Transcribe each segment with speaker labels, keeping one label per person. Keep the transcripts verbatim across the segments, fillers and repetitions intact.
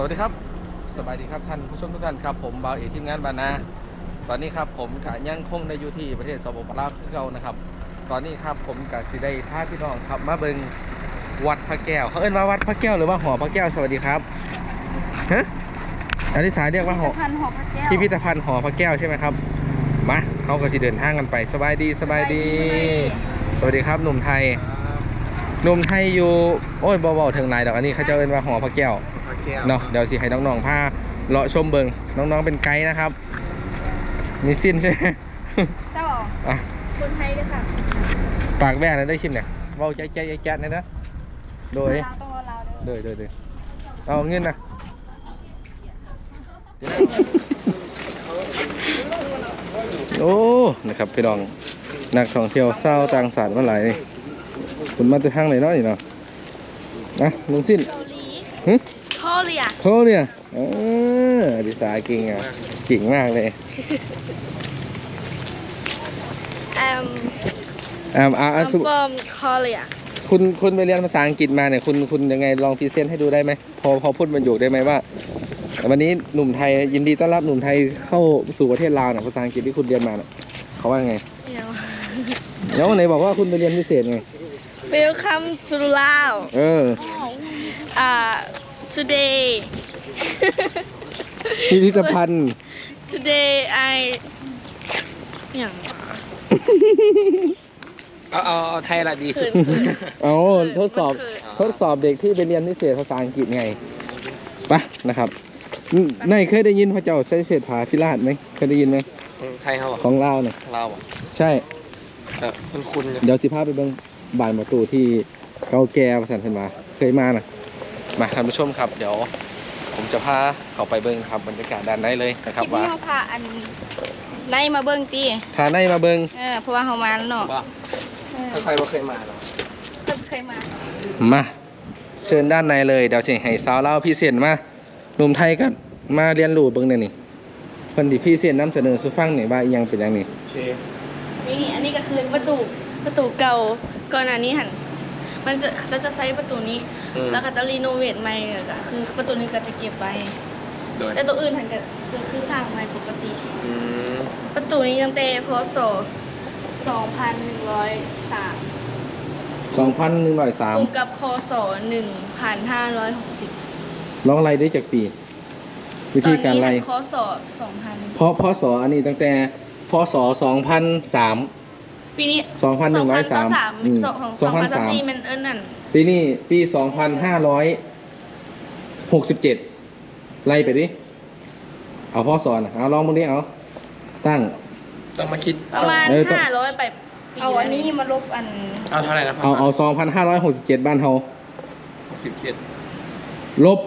Speaker 1: วัสดีครับสบายดีครับท่านผู้ชมทุกท่านครับผมบ่าวเอกทีมงานบานาตอนนี้ครับผมกะยังคงในอยู่ที่ประเทศสปปลาวคือเก่านะครับตอนนี้ครับผมกะสิได้ท่าพี่น้องครับมาเบิ่งวัดพระแก้วเขาเอิ้นว่าวัดพระแก้วหรือว่าหอพระแก้วสวัสดีครับฮะอธิษฐานเรียกว่าหอพิพิธภัณฑ์หอพระแก้วใช่ไหมครับมาเขาก็สิเดินทางกันไปสบายดีสบายดีสวัสดีครับหนุ่มไทยหนุ่มไทยอยู่โอ้ยเบาๆถึงไหนดอกอันนี้เขาจะเอิ้นว่าหอพระแก้วเนาะเดี๋ยวสิให้น้องๆพาเลาะชมเบิงน้องๆเป็นไกด์นะครับมีสิ้นใช่ไหม
Speaker 2: เจ้าอ่ะคนไทยด้วยค่ะ
Speaker 1: ปากแว่นะได้คลิปเนี่ยเบาใจใจแจ๊ดนะนะโดยโดยโดยโดยเอาเงินนะโอ้นะครับพี่น้องนักท่องเที่ยวเศร้าต่างศาสตร์มาหลายนี่คุณมาจากทางไหนเนาะนี่เนาะนะลุงสิ้นฮึ
Speaker 2: โคเรีย
Speaker 1: โคเรียเออดิสาเก่งอ่ะเก่งมากเลย
Speaker 2: อืม
Speaker 1: อ่าอ่า
Speaker 2: I'm from Korea
Speaker 1: คุณคุณไปเรียนภาษาอังกฤษมาเนี่ยคุณคุณยังไงลองพรีเซนต์ให้ดูได้ไหมพอพอพูดประโยคได้ไหมว่าวันนี้หนุ่มไทยยินดีต้อนรับหนุ่มไทยเข้าสู่ประเทศลาวเนี่ยภาษาอังกฤษที่คุณเรียนมาเนี่ยเขาว่าไงแล้วไหนบอกว่าคุณไปเรียนพิเศษไง
Speaker 2: Welcome to Lao
Speaker 1: เออ
Speaker 2: อ่า today
Speaker 1: พิพิธภัณฑ์
Speaker 2: today I อย่าง
Speaker 3: เอาเอาเอาไทยละดีสุด
Speaker 1: เอาทดสอบทดสอบเด็กที่ไปเรียนพิเศษภาษาอังกฤษไงปะนะครับนายเคยได้ยินพระเจ้าใช้เศรษฐาธิราชไหมเคยได้ยินไหม
Speaker 3: ไทยเขา
Speaker 1: ของลาวเนี่ย
Speaker 3: ลาวอ่ะ
Speaker 1: ใช่
Speaker 3: คุณคุณ
Speaker 1: เดี๋ยวสิพาไปเบิ่งบานประตูที่เก่าแก่ประสันเพิ่นมาเคยมานะมาท่านผู้ชมครับเดี๋ยวผมจะพาเข้าไปเบิ่งครับบรรยากาศด้านในเลยนะครับว่า
Speaker 2: ที่พาอันในมาเบิ่งตี
Speaker 1: พาในมาเบิ่ง
Speaker 2: เออเพราะว่าเขามาแล้วเนาะ
Speaker 3: ถ้าใครบ่เคยมาหรอ
Speaker 2: เคยมา
Speaker 1: มาเชิญด้านในเลยเดี๋ยวสิให้สาวเล่าพี่เสียนมาหนุ่มไทยก็มาเรียนรู้เบิ่งเนี่ยนี่เพิ่นที่พี่เสียนนำเสนอสู่ฟังนี่ว่าอีหยังเป็นอย่างนี้
Speaker 2: นี่อันนี้ก็คือประตูประตูเก่าก่อนหน้านี้หันมันจะจะจะใช้ประตูนี้แล้วเขาจะรีโนเวทใหม่ก็คือประตูนี้ก็จะเก็บไว้แต่ตัวอื่นหันก็คือสร้างใหม่ปกติประตูนี้ตั้งแต่พ.ศ. สองพันหนึ่งร้อยสาม
Speaker 1: สองพันหนึ่งร้อยสาม
Speaker 2: ตรงกับค.ศ. หนึ่งพันห้าร้อยหกสิบ
Speaker 1: ลองไล่ได้จากปีวิธีการไล่
Speaker 2: ค.ศ. สองพัน
Speaker 1: เพราะพ.ศ. อันนี้ตั้งแต่พ.ศ. สองพันสาม
Speaker 2: ปีนี้
Speaker 1: สองพันหนึ่งร้อยสาม
Speaker 2: อืมสองพันสามมันเอิ้นนั่น
Speaker 1: ปีนี้ปีสองพันห้าร้อยหกสิบเจ็ดไล่ไปดิเอาพ่อสอนเอาลองมึงดิเอาตั้ง
Speaker 3: ต้องมาคิด
Speaker 2: ประมาณห้าร้อยไปเอาอันนี้มาลบอัน
Speaker 3: เอาเท่าไหร่นะ
Speaker 1: เอาเอาสองพันห้าร้อยหกสิบเจ็ดบ้านเฮา
Speaker 3: หกสิบเจ็ด
Speaker 1: ลบ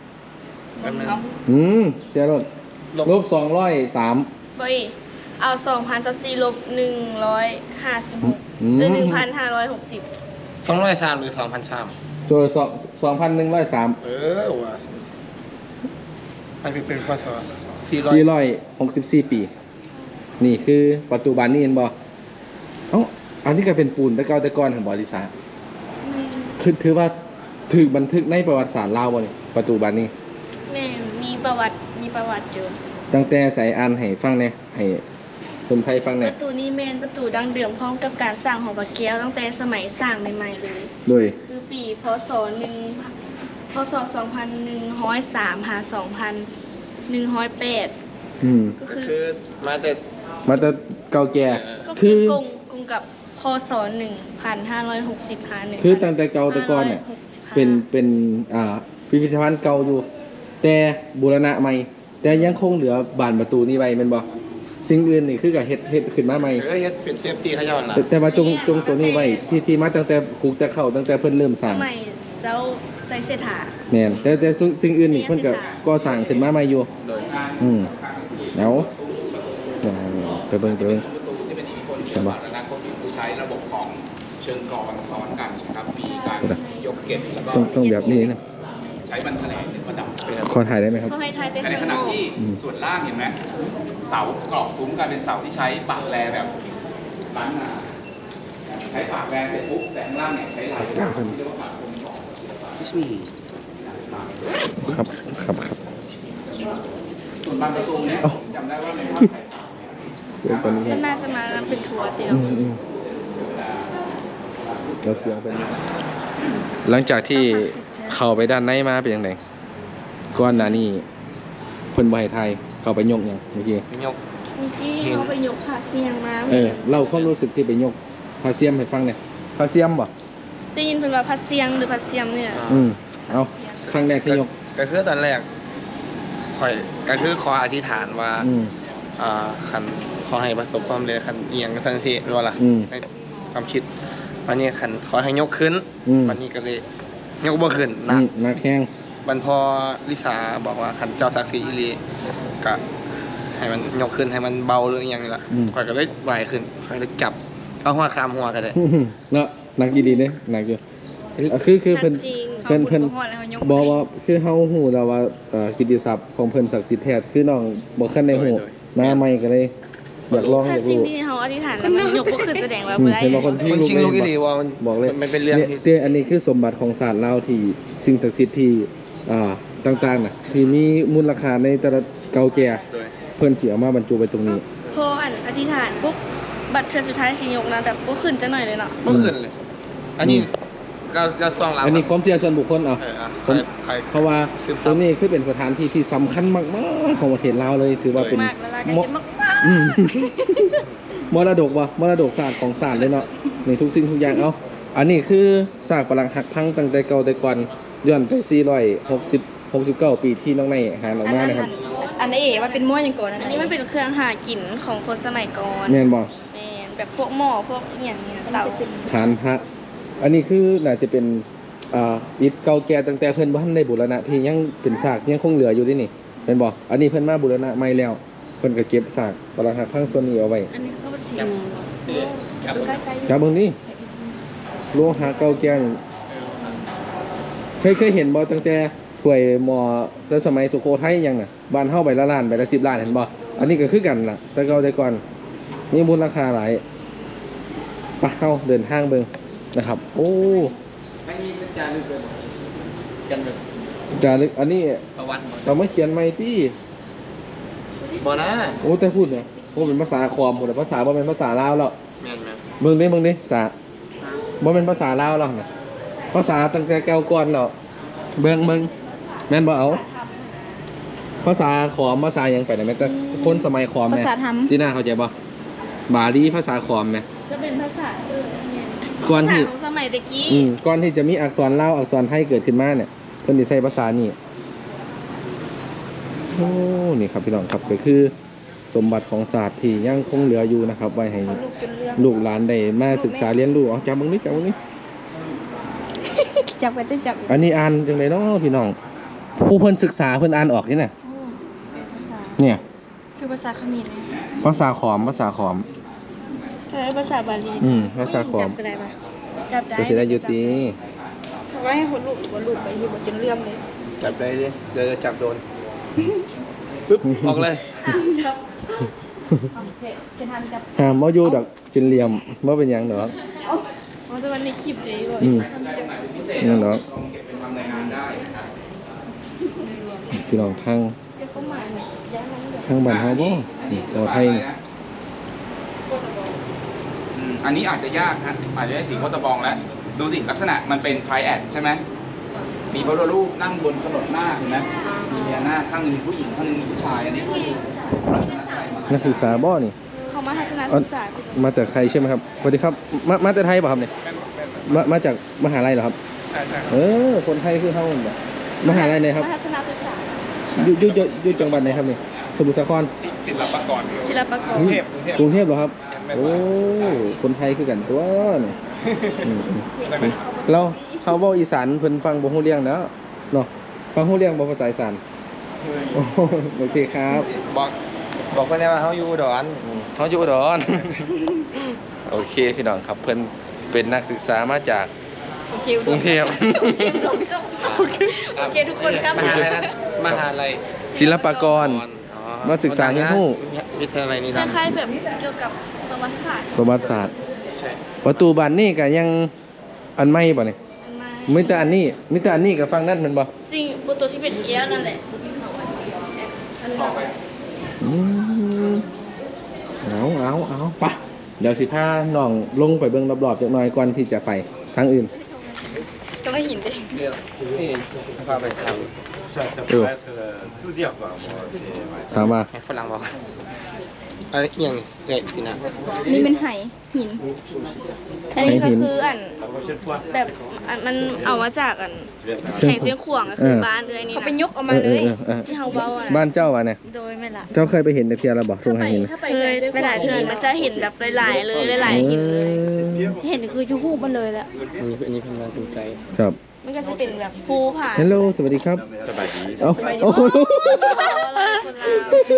Speaker 1: อืมเสียรถลบสองร้อยสาม
Speaker 2: เฮ้ยเอาสองพันสี่ลบหนึ่งร้อยห้าสิบหกหรือหนึ่งพันห้าร้อยหกสิบ
Speaker 3: สองร้อยสามหรือสองพันสาม
Speaker 1: ส่วนสองสองพันหนึ่งร้อยสาม
Speaker 3: เออว่าอันนี้เป็นพ.ศ.
Speaker 1: สี่ร้อยหกสิบสี่ปีนี่คือปัจจุบันนี่เห็นบ่เอ้าอันนี้ก็เป็นปูนตะเกาตะกอนของบริษัทคือถือว่าถือบันทึกในประวัติศาสตร์ลาวบ่นี่ปัจจุบันนี้
Speaker 2: แม่มีประวัติมีประวัติอยู่
Speaker 1: ตั้งแต่ใส่อ่านให้ฟังเนี่ยให้คนไทยฟังเนี่ย
Speaker 2: ประตูนี้เมนประตูดังเดิมพร้อมกับการสร้างหอพระแก้วตั้งแต่สมัยสร้างใหม่ๆเลย
Speaker 1: โดย
Speaker 2: คือปีพ.ศ. หนึ่งพ.ศ. สองพันหนึ่งร้อยสามหาสองพันหนึ่งร้อยแปด
Speaker 1: อืม
Speaker 2: ก็คือ
Speaker 3: มาแต่
Speaker 1: มาแต่เก่าแก่
Speaker 2: คือกงกงกับค.ศ. หนึ่งพันห้าร้อยหกสิบหาหนึ่ง
Speaker 1: คือตั้งแต่เก่าแต่ก่อนเนี่ยเป็นเป็นอ่าพิพิธภัณฑ์เก่าอยู่แต่บูรณะใหม่แต่ยังคงเหลือบานประตูนี้ไว้แม่นบ่สิ่งอื่นนี่คือกับเฮ็ดเฮ็ดขึ้นมาใหม่
Speaker 3: เออเฮ็ดเป็นเซฟตี้เขาย้อนหลัง
Speaker 1: แต่ว่าจงจงตัวนี้ไว้ที่ที่มาตั้งแต่คุกแต่เข้าตั้งแต่เพิ่นเริ่มสร้าง
Speaker 2: สมัยเจ้าใส่เสถา
Speaker 1: แม่นแต่แต่สิ่งอื่นนี่เพิ่นก็ก่อสร้างขึ้นมาใหม่อยู่อืมแล้วไปเบิ่งไปเบิ่ง
Speaker 3: ใช่บ่ใช้ระบบของเชิงกรอนซ้อนกันนะครับมีการยกเก็บแล้วก็
Speaker 1: ต้องต้องแบบนี้นะ
Speaker 3: ใช้บันแถลงประดับ
Speaker 1: ขอถ่ายได้ไหมครับ
Speaker 2: เขาให้ถ่ายแต่
Speaker 3: ขณะที่ส่วนล่างเห็นไหมเสากรอบซุ้มกลายเป็นเสาที่ใช้ปากแรแบบล้านนาใช้ปากแรเสร็จปุ๊บแต่ข้างล่างเนี่ยใช้ลายที่เรียกว่าปากคมสอง
Speaker 1: ครับครับครับ
Speaker 3: ส่วนบานประตูเนี้ย
Speaker 1: เอ้า
Speaker 3: จำได้ว่าในภาพถ่าย
Speaker 1: เจอกัน
Speaker 2: ก็
Speaker 1: นี่
Speaker 2: น่าจะมาเป็นทัวร์เดียว
Speaker 1: อืมอืมเราเสียงเป็นหลังจากที่เข้าไปด้านในมาเป็นยังไงก่อนหน้านี้เพิ่นบ่ให้ไทยเข้าไปยกหยังเมื่อกี้
Speaker 4: ยก
Speaker 2: เมื่อกี้เขาไปยกผาเสียงมา
Speaker 1: เออเล่าความรู้สึกที่ไปยกพาเซียมให้ฟังหน่อยพาเซียมบ่
Speaker 2: ได้ยินเป็นว่าผาเสียงหรือผาเสียมเนี่ย
Speaker 1: อืมเอาครั้งแรกที่ยก
Speaker 4: ก็คือตอนแรกข่อยก็คือขออธิษฐานว่า
Speaker 1: อืม
Speaker 4: อ่าคันขอให้ประสบความสำเร็จคันเอียงกันทันทีรู้ล่ะ
Speaker 1: อืม
Speaker 4: ในความคิดวันนี้คันขอให้ยกขึ้น
Speaker 1: อืม
Speaker 4: วันนี้ก็เลยยกบ่ขึ้น
Speaker 1: อื
Speaker 4: นะ
Speaker 1: มนักแข่ง
Speaker 4: บันพอลิสาบอกว่าคันเจ้าศักดิ์ศรีอีหลีก็ให้มันยกขึ้นให้มันเบาหรืออหย่างนี้ล่ะข่อยก็เลยไหวขึ้นข่อยเลยจับเอาหัวคามหัวก็ได้
Speaker 1: เนาะนักดีๆเด้หนักอยู่อ่ะคือคือเพิ่น
Speaker 2: จริง
Speaker 1: เพิ่นเพิ่น
Speaker 2: ขาบุญเขาฮอดแล้วเขายก
Speaker 1: บอกว่าคือเฮาฮู้แล้วว่าเอ่อกิตติศัพท์ของเพิ่นศักดิ์สิทธิ์แท้คือน้องบ่คันได้ฮู้
Speaker 4: โดย
Speaker 1: มาใหม่ก็เลยอยากลองอาก
Speaker 2: ถ้ายสิ่ง
Speaker 1: รู้
Speaker 2: ที่เขาอธิษฐานแล้วมันยกก็คือแสดงว่า
Speaker 1: อืม
Speaker 2: บ่ได้
Speaker 1: เห็นบางคนที่
Speaker 4: มันจริงลูกอีหลี
Speaker 1: บอก
Speaker 4: ว่ามัน
Speaker 1: บอกเลย
Speaker 4: มันเป็นเรื่อง
Speaker 1: นี่
Speaker 4: ที่
Speaker 1: เต้อันนี้คือสมบัติของศาสตร์ลาวที่สิ่งศักดิ์สิทธิ์ที่อ่าต่างๆน่ะที่มีมูลค่าในแต่ละเก่าแก่
Speaker 4: โดย
Speaker 1: เพิ่นสิเอามาบรรจุไว้ตรงนี้
Speaker 2: พออันอธิษฐานปุ๊บบัตรเทือสุดท้ายสิยกนะแบบก็ขึ้นจะหน่อยเลยเนาะ
Speaker 4: เมื่อคืนเลย อันนี้เราเราซองเรา
Speaker 1: อันนี้ความเชื่อส่วนบุคคลเอา
Speaker 4: เอออ่ะ
Speaker 1: ผม
Speaker 4: ใคร
Speaker 1: เพราะว่า
Speaker 4: สืบ
Speaker 1: ต
Speaker 4: สา
Speaker 1: ร
Speaker 4: ว
Speaker 1: งนี้คือเป็นสถานที่ที่สำคัญมากๆของประเทศลาวเลยถือว่าเป็น
Speaker 2: มากแล้วล่ะก็
Speaker 1: ม
Speaker 2: จะมากมาก
Speaker 1: อืม มรดกวะมรดกศาสตร์ของศาสตร์เลยเนาะในทุกสิ่งทุกอย่างเอาอันนี้คือซากปรังหักพังตั้งแต่เก่าแต่ก่อนย้อนไปสี่ร้อยหกสิบ หกสิบเก้าปีที่น้องในหาออกมานะครับ
Speaker 5: อันนี้เอ๋ว่าเป็นม้วนอย่างก่อนนะ
Speaker 2: อันนี้มันเป็นเครื่องหากินของคนสมัยก่อน
Speaker 1: แม่นบ่
Speaker 2: แมนแบบพวกหม้อพวกอหย่างเนี้ยเตา
Speaker 1: ฐานพระอันนี้คือน่าจะเป็นอ่าอิฐเก่าแก่ตั้งแต่เพิ่นบ่ทันได้บูรณะที่ยังเป็นซากยังคงเหลืออยู่เด้นี่เป็นบ่อันนี้เพิ่นมาบูรณะใหม่แล้วเพิ่นก็เก็บซากปรักหักพังส่วนนี้เอาไว้
Speaker 2: อันนี้เขาเป็นสี
Speaker 4: จับ
Speaker 2: ใกล้ๆอยู่
Speaker 1: จับเบิ่งนี่โลหะเก่าแก่นี่เคยเคยเห็นบ่ตั้งแต่ถ้วยหม้อแต่สมัยสุโขทัยยังน่ะบ้านเฮาใบละล้านใบละสิบล้านเห็นบ่อันนี้ก็คือกันล่ะแต่เก่าแต่ก่อนมีมูลค่าหลายไปเฮาเดินทางเบิ่งนะครับ โอ้
Speaker 4: อันนี้เป็นจารึกเลยบอกกันแบบ
Speaker 1: จารึกอันนี้
Speaker 4: ประวัติ
Speaker 1: เรามาเขียนใหม่ติ
Speaker 4: บ่นะ
Speaker 1: โอ้แต่พูดเนี่ยโอ้เป็นภาษาคอมหมดเลยภาษาบ่เป็นภาษาลาวแล้ว
Speaker 4: แม่นแม่น
Speaker 1: เบิ่งดิเบิ่งดิภาษาบ่เป็นภาษาลาวแล้วนะภาษาตั้งแต่เก่าก่อนแล้วเบิ่งเบิ่งแม่นบ่เอาภาษาขอมภาษาหยังไปได้แม่แต่คนสมัยขอม
Speaker 5: ภา
Speaker 1: แม่
Speaker 5: ษาธรรม
Speaker 1: ที่น่าเข้าใจบ่บาลีภาษาขอมแม่
Speaker 2: จะเป็นภาษาเออเนี่ย
Speaker 1: ก่อน
Speaker 2: ภาษา
Speaker 1: ที่
Speaker 2: ของสมัยตะกี้
Speaker 1: อืมก่อนที่จะมีอักษรลาวอักษรไทยเกิดขึ้นมาเนี่ยเพิ่นสิใช้ภาษานี่โอ้นี่ครับพี่น้องครับก็คือสมบัติของศาสตร์ที่ยังคงเหลืออยู่นะครับไว้ให้
Speaker 5: เขาลูกเป็นเรื่อง
Speaker 1: ลูกหลานได้มาศึกษาเรียนรู้เอาจับมึงนี่จับมึงนี่
Speaker 5: จับกันจะจับ
Speaker 1: อันนี้อ่านจังไดเนาะพี่น้องผู้เพิ่นศึกษาเพิ่นอ่านออกนี่น่ะ
Speaker 5: โอ้ภาษา
Speaker 1: เนี่ย
Speaker 5: คือภาษาเขมรนะ
Speaker 1: ภาษาขอมภาษาขอม
Speaker 2: ใช้ภาษาบาลี
Speaker 1: อืมภาษาขอ
Speaker 2: จั
Speaker 1: ม
Speaker 2: บก็ได้ปะจับได้
Speaker 1: ก็สิได้อยู่ติ
Speaker 5: เขาก็ให้คนลูกว่าลูกไปอยู่บนจนเลื่อมเลย
Speaker 4: จับได้ดิเดี๋ยวจะจับโดนปึ๊บออกเลย
Speaker 5: จับจะทำจับ
Speaker 1: ห้ามเอาอยู่ดอกจนเหลี่ยมบ่เป็นหยังดอก
Speaker 2: อ๋อแต่วันในคลิปดีบ่อย
Speaker 1: อืมนั่นดอก
Speaker 3: ลองเก็บเป็นทำรายงานได้นะครับ
Speaker 1: พี่น้องทาง
Speaker 2: เดี๋ยวเขามาเนี่ยย้ายมาเนี่ย
Speaker 1: ทางบ้านเฮาบ่นี่ต่อไทยนี่
Speaker 3: อืมอันนี้อาจจะยากฮะอาจจะได้สีโคตรบองแล้ว ดูสิลักษณะมันเป็นไทรแอดใช่ไหมมีพระพุทธรูปนั่งบนขนดหน้าเห็นไหมมีพญานาคข้างหนึงผู้หญิงข้างหนึงผู้ชายอันนี้คือลักษณะอะไรมา
Speaker 1: นักศึกษาบ่นี่
Speaker 2: เขามาทัศน
Speaker 1: อ๋อ
Speaker 2: ศึกษาพี่
Speaker 1: มาจากไทยใช่ไหมครับสวัสดีครับมามาจากไทยป่ะครับเนี่ยมามาจากมหาลัยเหรอครับ
Speaker 4: ใช่ใช่
Speaker 1: เออคนไทยคือเฮาบ่มหาลัยไหนครับ
Speaker 2: มาทัศนศึกษา
Speaker 1: อยู่อยู่อยู่อยู่จังหวัดไหนครับนี่สมุทรสาคร
Speaker 4: ศิลปากร
Speaker 2: ศิลปากร
Speaker 1: อืมกรุงเทพเหรอครับ โอ้ คนไทยคือกันตัวเนี่ยอืมอืมเราเขาเว้าอีสานเพิ่นฟังบ่ฮู้เรื่องแล้วเนาะฟังฮู้เรื่องบ่ภาษาอีสานโอ้โอเคครับ
Speaker 4: บอกบอกเพื่อนได้ว่าเขาอยู่อุดอน
Speaker 1: เขาอยู่อุดร โอเคพี่น้องครับเพิ่นเป็นนักศึกษามาจาก
Speaker 5: โอเค
Speaker 1: กรุงเทพ
Speaker 5: โอเคโอเคทุกคนครับ
Speaker 4: มหาลัยนั้นมหาลัย
Speaker 1: ศิลปากร
Speaker 4: อ๋อ
Speaker 1: มาศึกษาเรียนรู้
Speaker 4: วิทยาลัยนี้
Speaker 2: ค
Speaker 4: ดัง
Speaker 2: ล้ายๆแบบเกี่ยวกับประวัติศาสตร์
Speaker 1: ประวัติศาสตร์
Speaker 4: ใช่
Speaker 1: ประตูบานนี่ก็ยังอันใหม่บ่นี่
Speaker 2: มันมา
Speaker 1: มีแต่อันนี้มีแต่อันนี้กับฟังนั่นแมันบ่
Speaker 2: สิ่งบตัวที่เป็นแก้วนั่นแหละตัวที่เขาไว้อันนี้
Speaker 3: ต่อไป
Speaker 1: อืมเอาเอาเอาไปะเดี๋ยวสิพาน้องลงไปเบิ่งรอบๆจักหน่อยก่อนที่จะไปทางอื่น
Speaker 2: ก็ไม่หินเอง
Speaker 4: เดี๋ยวนี่พาไปท
Speaker 6: Ça, ça
Speaker 1: Euh.
Speaker 6: pourrait être euh, tout dire quoi. Bon, c'est, ouais.
Speaker 1: ถามมา
Speaker 4: ำให้ฝรั่งบอกอันนี้ยังเนี่ยพี่นะ
Speaker 5: อันนี้เป็นไหหิน
Speaker 2: อันนี้ก็คืออัน
Speaker 6: La prochaine fois,
Speaker 2: แบบอันมันเอามาจากอัน
Speaker 6: je vais faire
Speaker 1: เสียง
Speaker 2: แข่งเสียงขวางก็คือบ้านเลยนี่
Speaker 5: เขา
Speaker 2: นะ
Speaker 5: ไปยกออกมาเลย
Speaker 1: ออออออ
Speaker 2: ที่เฮาเบาอ่ะ
Speaker 1: บ้านเจ้าวะเนี่ย
Speaker 2: โดยไม่ละ
Speaker 1: เจ้าเคยไปเห็นแต่เทียระบอกตรงไหนเห็น
Speaker 2: ถ้าไปเคยไปหลายเทือนมันจะเห็นแบบหลายๆเลยหลายๆหินเลย เห็นคือยูฮูมันเลยแหละ
Speaker 4: อันนี้อันนี้เป็นงานดูใจ
Speaker 1: ครับ
Speaker 2: มันก็จะเป็นแบบภูผา
Speaker 1: ฮัลโหลสวัสดีครับ
Speaker 6: ça va dire.
Speaker 1: เอาโอ้โห
Speaker 2: คนลาว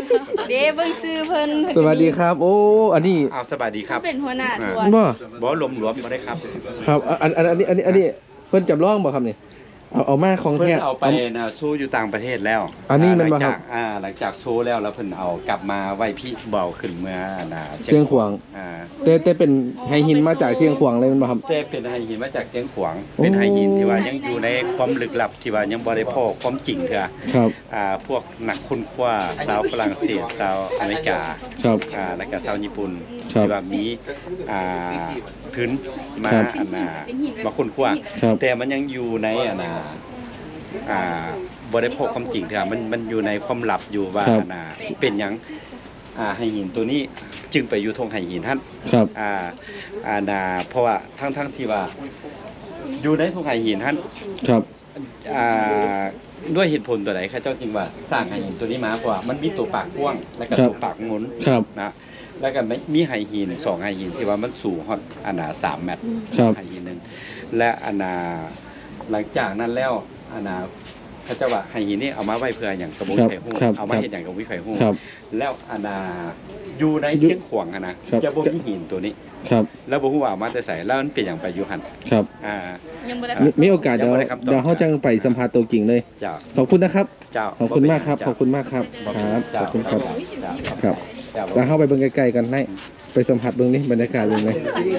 Speaker 5: เด้เบิ่งซื้อเพิ่น
Speaker 1: สวัสดีครับ โอ้อันนี้
Speaker 6: อ้าวสบายดีครับ
Speaker 2: เป็นหัวหน้าทัว
Speaker 1: บ่
Speaker 2: ร์
Speaker 6: บอสลมหลวมมาได้ครับ
Speaker 1: ครับอันอันอันนี้อันนี้อันนี้เพิ่นจำลองบ่ครับนี่เอาเอามาของ
Speaker 6: เพิ่
Speaker 1: แท้
Speaker 6: นเอาไปนะสู้อยู่ต่างประเทศแล้ว
Speaker 1: อันนี้มัน
Speaker 6: ห
Speaker 1: บ่
Speaker 6: ลัง
Speaker 1: ครั
Speaker 6: จา
Speaker 1: บ
Speaker 6: กอ่าหลังจากโซแล้วแล้วเพิ่นเอากลับมาไว้พี่เบาขึ้นเมื่อน่ะ
Speaker 1: เชียงขวาง
Speaker 6: อ่า
Speaker 1: แต่แต่เป็นไฮหินมาจากเชียงขวางเลยแมันบ่ครับ
Speaker 6: แต่เป็นไฮหินมาจากเสียงขวางเป็นไฮหินที่ว่ายังอยู่ในความลึกลับที่ว่ายังบ่ได้พอความจริงเถอะ
Speaker 1: ครับ
Speaker 6: อ่าพวกนักค้นคว้าชาวฝรั่งเศสชาวอเมริกา
Speaker 1: ครับ
Speaker 6: อ่าแล้วก็ชาวญี่ปุ่น
Speaker 1: ครับ
Speaker 6: ที่ว่ามีอ่าพื้นมา
Speaker 1: ครับ
Speaker 6: อันน่ะมาค้นคว้า
Speaker 1: ครับ
Speaker 6: แต่มันยังอยู่ในอันน่ะอ่าบ่ได้พบความจริงเถอะมันมันอยู่ในความลับอยู่ว่า
Speaker 1: ครับ
Speaker 6: อันน่ะเป็นหยังอ่าไหหินตัวนี้จึงไปอยู่ทงไหหินท่าน
Speaker 1: ครับ
Speaker 6: อ่าอ่าน่ะเพราะว่าทั้งทั้งที่ว่าอยู่ในทงไหหินท่าน
Speaker 1: ครับ
Speaker 6: อ่าด้วยเหตุผลตัวไหนข้าเจ้าจึงว่าสร้างไหหินตัวนี้มาเพราะว่ามันมีตัวปากกว้างและก็ตัวปากงน
Speaker 1: ครับ
Speaker 6: นะแล้วก็มีไหหินสองไหหินที่ว่ามันสูงฮอดอันน่ะสามเมตร
Speaker 1: ครับ
Speaker 6: ไหหินหนึงและอันน่ะหลังจากนั้นแล้วอันน่ะเขาเจ้าว่าไหหินนี่เอามาไว้เพื่ออย่างกระบุ
Speaker 1: ครับ
Speaker 6: ไข่ฮู้
Speaker 1: ครับ
Speaker 6: เอามาเฮ็ดอย่างกระบุไข่ฮู้
Speaker 1: ครับ
Speaker 6: แล้วอันน่ะอยู่ในเชียงขวางอะนะครับ จะบ่มีหินตัวนี้
Speaker 1: ครับ
Speaker 6: แล้วบ่ฮู้ว่าเอามาแต่ไสแล้วมันเป็นหยังไปอยู่หั่น
Speaker 1: ครับ
Speaker 6: อ่า
Speaker 2: ยังบ่ได้
Speaker 1: มีมีโอกาสเดี๋ยว
Speaker 6: ยังบ่ได้คำตอบ
Speaker 1: เดี๋ยวเขาจังไปสัมภาษณ์ตัวจริงเลย
Speaker 6: เจ้า
Speaker 1: ขอบคุณนะครับ
Speaker 6: เจ้า
Speaker 1: ขอบคุณมากครับ ขอบคุณมากครับ
Speaker 6: บ่
Speaker 1: ค
Speaker 6: เป็นห
Speaker 1: รั
Speaker 6: ยั
Speaker 1: บ
Speaker 6: งเจ้า
Speaker 1: ขอบคุณครับ
Speaker 6: เจ้า
Speaker 1: ครับ
Speaker 6: เจ้า
Speaker 1: แล้วเข้าไปเบิ่งใกล้ๆกันให้ไปสัมผัสเบิ่งนี่บรรยากาศเป็นไง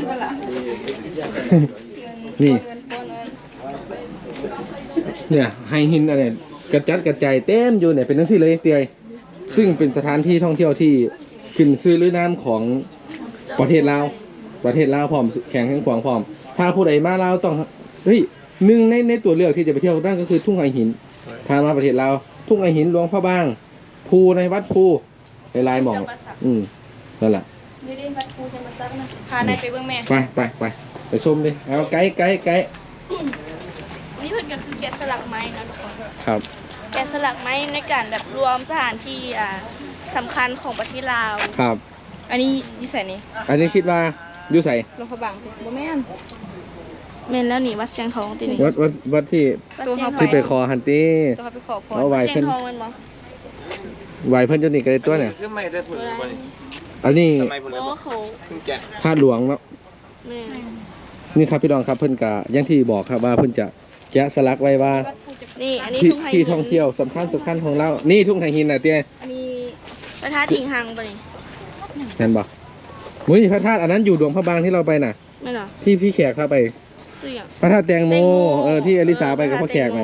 Speaker 1: นี่ เนี่ยไฮหินอะไรกระจัดกระจายเต็มอยู่เนี่ยเป็นทั้งที่เลยเตียยซึ่งเป็นสถานที่ท่องเที่ยวที่ขึ้นซื้อลือน้ำของประเทศลาวประเทศลาวพร้อมแข่งแข่งขวางพร้อม ถ้าผู้ใดมาลาวต้องเฮ้ยหนึ่งในในตัวเลือกที่จะไปเที่ยวนั่นก็คือทุ่งไอหินถ้ามาประเทศลาวทุ่งไอหินหลวงพระบางภูในวัดภูหลายๆหม่อง อืมนั่นแหละ
Speaker 2: นี่ได้วัดภูจะมาซักนะพานายไปเบิ่งแม่
Speaker 1: ไปไปไปไปชมดิเอาไกด์ไกด์ไกด์
Speaker 2: นี่เพิ่นก็คือแกะสลักไม้นะทุกคน
Speaker 1: ครับ
Speaker 2: แกะสลักไม้ในการแบบรวมสถานที่อ่าสำคัญของประเทศลาว
Speaker 1: ครับ
Speaker 5: อันนี้อยู่ใส่นี่
Speaker 1: อันนี้คิดว่าอยู่ใส่
Speaker 5: หลวงพระบางบ่แม่น
Speaker 2: แม่นแล้วนี่วัดเชียงทองตินี่
Speaker 1: วัดวัดวัดที่
Speaker 5: ตัวเขา
Speaker 1: ที่ไปคอฮันตี้
Speaker 5: ตัวเขาไปขอพร
Speaker 1: เอาไว้
Speaker 2: เชีย
Speaker 1: เพิ่น
Speaker 2: งทองแม่นบ่
Speaker 1: ไหวเพิ่นจนนี่ก็ได้ตัวเนี่ย
Speaker 4: คือไม่ได้ผลวันนี้
Speaker 1: อันนี้
Speaker 4: ทำไมผล
Speaker 2: เพราะว่าเขา
Speaker 4: เพิ่งแกะ
Speaker 1: พาดหลวงเนาะ
Speaker 2: แม่น
Speaker 1: นี่ครับพี่น้องครับเพิ่นกะอย่างที่บอกครับว่าเพิ่นจะแกะสลักไว้ว่า
Speaker 2: นี่อันนี้
Speaker 1: ที่
Speaker 2: ทุ่งไฮ
Speaker 1: ที่ท่องเที่ยวสำคัญสำคัญของเรานี่ทุ่งไฮหินน่ะเตี้ย
Speaker 2: อันนี้พระธาตุถิงหังบ่นี่
Speaker 1: นั่นบ่มุ้ยพระธาตุอันนั้นอยู่ดวงพระบางที่เราไปน่ะ
Speaker 2: แม่นเหรอ
Speaker 1: ที่พี่แขกพาไป
Speaker 2: เสี่ยง
Speaker 1: พระธาตุแตงโมเออที่อลิสาไปกับพ่อแขกน่ะ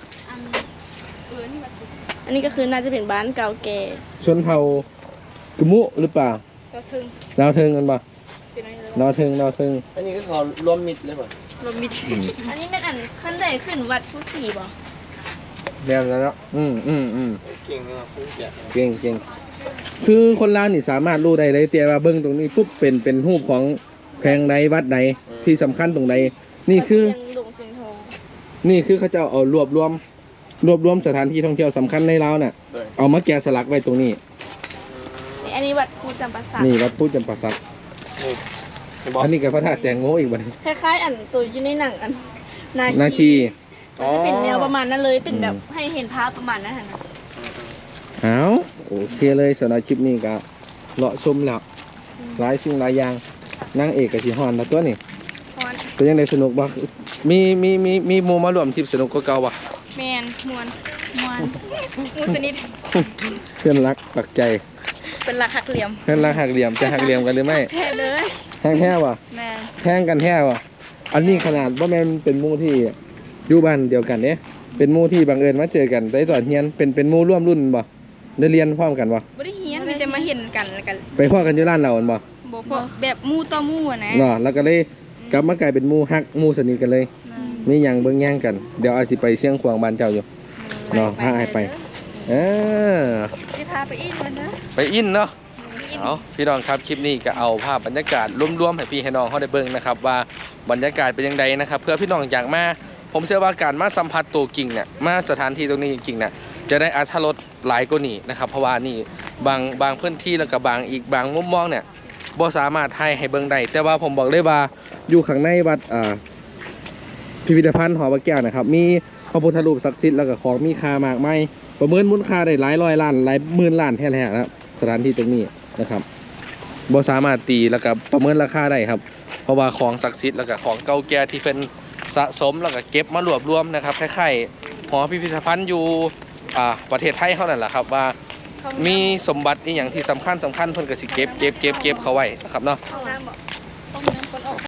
Speaker 2: อันนี้ก็คือน่าจะเป็นบ้านเก่าแก่
Speaker 1: ชนเผ่ากุมุหรือเปล่า
Speaker 5: เราถึง
Speaker 1: ดาวเทิงกันบ่
Speaker 5: เป็นอะไร
Speaker 1: ดาวเทิงดาวเทิง
Speaker 4: อันนี้ก็ขอรวมมิดเลยป่ะ
Speaker 5: ลมมิด
Speaker 2: อันนี้เป็นอันขั้นใดขึ้นวัดผู้สีบ่
Speaker 1: แบบนั้นเนาะอืมอืมอืม
Speaker 4: เก่งนะครับเพิ่งแกะ
Speaker 1: เก่งเก่งคือคนลาวนี่สามารถรู้ได้เลยเตียว่าเบิ้งตรงนี้ปุ๊บเป็นเป็นรูปของแขวงใดวัดใดที่สำคัญตรงใดนี่คือ
Speaker 2: เชียงหลงเชียงทอง
Speaker 1: นี่คือเขาจะเอารวบรวม รวบรวมสถานที่ท่องเที่ยวสำคัญในลาวน่ะ
Speaker 4: ด้วย
Speaker 1: เอามาแกะสลักไว้ตรงนี้
Speaker 2: นี่อันนี้วัดภูจำปาสัก
Speaker 1: นี่วัดพุทธจำปาสัก
Speaker 4: นี่เห็นบอก
Speaker 1: อันนี้กับพระธาตุแตงโมอีกบัดนี้
Speaker 2: คล้ายๆอันตัวอยู่ในหนังอัน
Speaker 1: นาคี
Speaker 2: มันจะเป็นแนวประมาณนั้นเลยเป็นแบบให้เห็นภาพประมาณนั้นนะ
Speaker 1: เอาโอเคเลยสำหรับคลิปนี้ก็เลาะชมแล้วหลายสิ่งหลายอย่างนางเอกกับสีฮอนแล้วตัวนี้
Speaker 2: พร
Speaker 1: เป็นยังไงสนุกบ่มีมีมีมีหมู่มาร่วมทริปสนุกกว่าเก่าบ่
Speaker 2: แมนมวนมวน
Speaker 5: มูสนิท
Speaker 1: เพื่อนรักปักใจ
Speaker 5: เป็นหลักหักเหลี่ยม
Speaker 1: เพื่อนรักหักเหลี่ยมจะหักเหลี่ยมกันหรือไม่
Speaker 2: แท้เลย
Speaker 1: แท้งแท้บ่
Speaker 2: แมน
Speaker 1: แท้งกันแท้บ่อันนี้ขนาดว่าแม่นเป็นหมู่ที่อยู่บ้านเดียวกันเนี่ยเป็นหมู่ที่บังเอิญมาเจอกันได้ตอนเรียนเป็นเป็นหมู่ร่วมรุ่นบ่ได้เรียนพร้อมกันบ่
Speaker 5: บ่ได้เฮียนมีแต่มาเห็นกันแล้วกัน
Speaker 1: ไปพ้อกันอยู่ร้านเราอันบ่
Speaker 5: บ่พอแบบหมู่ต่อหมู่อะนะ
Speaker 1: เนาะแล้วก็เลยกลับมากลายเป็นหมู่ฮักหมู่สนิทกันเลยมีหยังเบิ่งแย่งกันเดี๋ยวอาจสิไปเชียงขวางบ้านเจ้าอยู่เนาะพาให้ไปเออ
Speaker 2: สิพาไปอีกมันนะ
Speaker 1: ไปอินเนาะเอาพี่น้องครับคลิปนี้ก็เอาภาพบรรยากาศรวมๆให้พี่ให้น้องเขาได้เบิ่งนะครับว่าบรรยากาศเป็นยังไงนะครับเพื่อพี่น้องอยากมาผมเชื่อว่าการมาสัมผัสตัวกิ่งเนี่ยมาสถานที่ตรงนี้จริงๆเนี่ยจะได้อรรถรสหลายกว่านี้นะครับเพราะว่านี่บางบางพื้นที่แล้วก็บางอีกบางมุมมองเนี่ยบ่สามารถให้ให้เบิ่งได้แต่ว่าผมบอกเลยว่าอยู่ข้างในวัดอ่าพิพิธภัณฑ์หอพระแก้วนะครับมีพระพุทธรูปศักดิ์สิทธิ์แล้วก็ของมีค่ามากมายประเมินมูลค่าได้หลายร้อยล้านหลายหมื่นล้านแท้ๆนะครับสถานที่ตรงนี้นะครับบ่สามารถตีแล้วก็ประเมินราคาได้ครับเพราะว่าของศักดิ์สิทธิ์แล้วก็ของเก่าแก่ที่เป็นสะสมแล้วก็เก็บมารวบรวมนะครับคล้ายๆหอพิพิธภัณฑ์อยู่อ่าประเทศไทยเท่านั้นแหละครับว่ามีสมบัติอีหยังที่สำคัญสำคัญเพิ่นก็สิเก็บเก็บเก็บเก็บเขาไว้นะครับเนาะ
Speaker 2: ห้องน้ำบ่
Speaker 5: ต้องน้ำคนออก